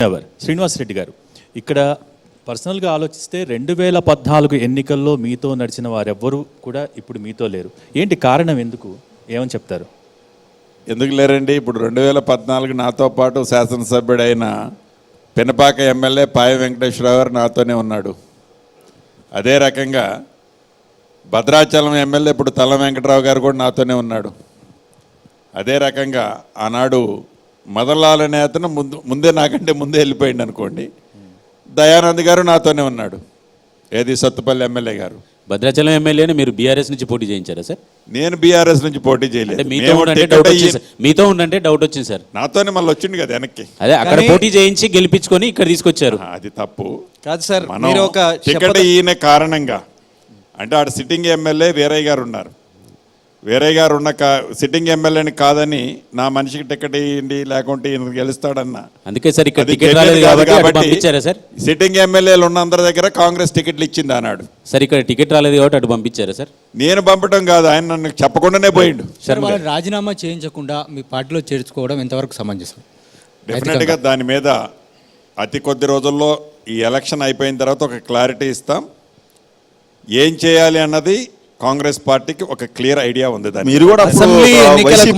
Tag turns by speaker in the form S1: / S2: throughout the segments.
S1: శ్రీనివాస్ రెడ్డి గారు, ఇక్కడ పర్సనల్గా ఆలోచిస్తే 2014 ఎన్నికల్లో మీతో నడిచిన వారెవ్వరూ కూడా ఇప్పుడు మీతో లేరు. ఏంటి కారణం? ఎందుకు? ఏమని చెప్తారు?
S2: ఎందుకు లేరండి? ఇప్పుడు 2014 నాతో పాటు శాసనసభ్యుడైన పినపాక ఎమ్మెల్యే పాయ వెంకటేశ్వరరావు గారు నాతోనే ఉన్నాడు. అదే రకంగా భద్రాచలం ఎమ్మెల్యే ఇప్పుడు తల్ల వెంకటరావు గారు కూడా నాతోనే ఉన్నాడు. అదే రకంగా ఆనాడు మదన్లాల్ అనే అతను ముందే నాకంటే ముందే వెళ్ళిపోయింది అనుకోండి. దయానంద్ గారు నాతోనే ఉన్నాడు. ఏది సత్తుపల్లి ఎమ్మెల్యే గారు.
S3: భద్రాచలం ఎమ్మెల్యేని మీరు బీఆర్ఎస్ నుంచి పోటీ చేయించారా సార్?
S2: నేను బీఆర్ఎస్ నుంచి పోటీ చేయలేదు.
S3: మీతో ఉండంటే డౌట్ వచ్చింది సార్.
S2: నాతోనే మళ్ళీ వచ్చింది కదా వెనక్కి.
S3: అదే అక్కడ పోటీ చేయించి గెలిపించుకొని ఇక్కడ తీసుకొచ్చారు.
S2: అది తప్పు
S4: కాదు సార్.
S2: మనం టికెట్ ఈయన కారణంగా అంటే ఆడ సిట్టింగ్ ఎమ్మెల్యే వీరయ్య గారు ఉన్నారు. వీరయ్య గారు ఉన్న సిట్టింగ్ ఎమ్మెల్యేని కాదని నా మనిషికి టికెట్ ఇవ్వండి లేకుంటే ఈయన గెలుస్తాడన్నా.
S3: అందుకే సార్ ఇక్కడ టికెట్ రాలేదు కాబట్టి పంపించారా సార్?
S2: సిట్టింగ్ ఎమ్మెల్యేలు ఉన్న అందరి దగ్గర కాంగ్రెస్ టికెట్లు ఇచ్చింది అన్నాడు
S3: సార్. ఇక్కడ టికెట్ రాలేదు కాబట్టి అటు పంపించారా సార్?
S2: నేను పంపడం కాదు, ఆయన నన్ను చెప్పకుండానే పోయిండు.
S5: సార్ వాళ్ళు రాజీనామా చేయించకుండా మీ పార్టీలో చేర్చుకోవడం ఎంతవరకు సమంజసం?
S2: డెఫినెట్గా దాని మీద అతి కొద్ది రోజుల్లో ఈ ఎలక్షన్ అయిపోయిన తర్వాత ఒక క్లారిటీ ఇస్తాం. ఏం చేయాలి అన్నది కాంగ్రెస్ పార్టీకి ఒక క్లియర్ ఐడియా ఉంది.
S4: మీరు కూడా అసెంబ్లీ ఎన్నికల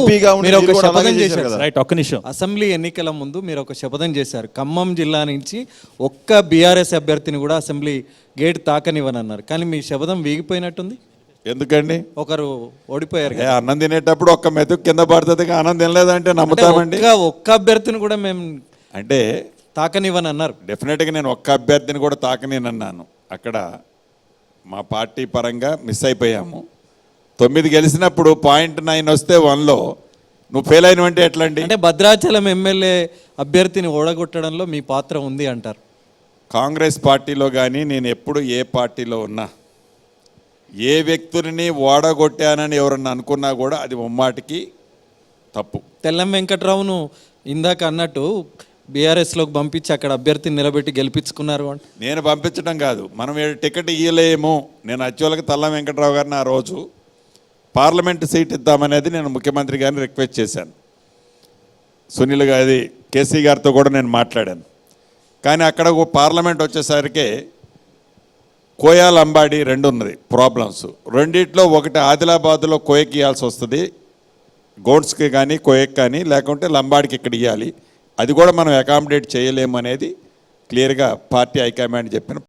S4: ముందు మీరు ఒక శపథం చేశారు. ఖమ్మం జిల్లా నుంచి ఒక్క బీఆర్ఎస్ అభ్యర్థిని కూడా అసెంబ్లీ గేట్ తాకనివ్వనన్నారు. కానీ మీ శపథం వీగిపోయినట్టుంది.
S2: ఎందుకండి?
S4: ఒకరు ఓడిపోయారు.
S2: అన్నం తినేటప్పుడు ఒక్క మెతుకు కింద పడుతుంది, అన్నం తినలేదంటే నమ్ముతామండి.
S4: ఒక్క అభ్యర్థిని కూడా మేము
S2: అంటే
S4: తాకనివ్వని అన్నారు.
S2: డెఫినెట్గా నేను ఒక్క అభ్యర్థిని కూడా తాకనినన్నాను. అక్కడ మా పార్టీ పరంగా మిస్ అయిపోయాము. 9 గెలిచినప్పుడు 0.9 వస్తే 1లో నువ్వు ఫెయిల్ అయినవంటే ఎట్లండి?
S4: అంటే భద్రాచలం ఎమ్మెల్యే అభ్యర్థిని ఓడగొట్టడంలో మీ పాత్ర ఉంది అంటారు.
S2: కాంగ్రెస్ పార్టీలో కానీ నేను ఎప్పుడు ఏ పార్టీలో ఉన్నా ఏ వ్యక్తులని ఓడగొట్టానని ఎవరన్నా అనుకున్నా కూడా అది ముమ్మాటికి తప్పు.
S4: తెల్లం వెంకట్రావును ఇందాక అన్నట్టు బీఆర్ఎస్లోకి పంపించి అక్కడ అభ్యర్థిని నిలబెట్టి గెలిపించుకున్నారు అంటే
S2: నేను పంపించడం కాదు, మనం టికెట్ ఇవ్వలేము. నేను అచ్చోళ్ళకి తల్ల వెంకట్రావు గారిని ఆ రోజు పార్లమెంటు సీట్ ఇద్దామనేది నేను ముఖ్యమంత్రి గారిని రిక్వెస్ట్ చేశాను. సునీల్ గారి కేసీ గారితో కూడా నేను మాట్లాడాను. కానీ అక్కడ పార్లమెంట్ వచ్చేసరికి కోయా లంబాడి 2 ఉన్నది ప్రాబ్లమ్స్. రెండిట్లో ఒకటి ఆదిలాబాద్లో కోయకి ఇవ్వాల్సి వస్తుంది, గోడ్స్కి కానీ కోయకి కానీ, లేకుంటే లంబాడికి ఇక్కడ ఇవ్వాలి. అది కూడా మనం అకామిడేట్ చేయలేము అనేది క్లియర్గా పార్టీ హైకమాండ్ చెప్పిన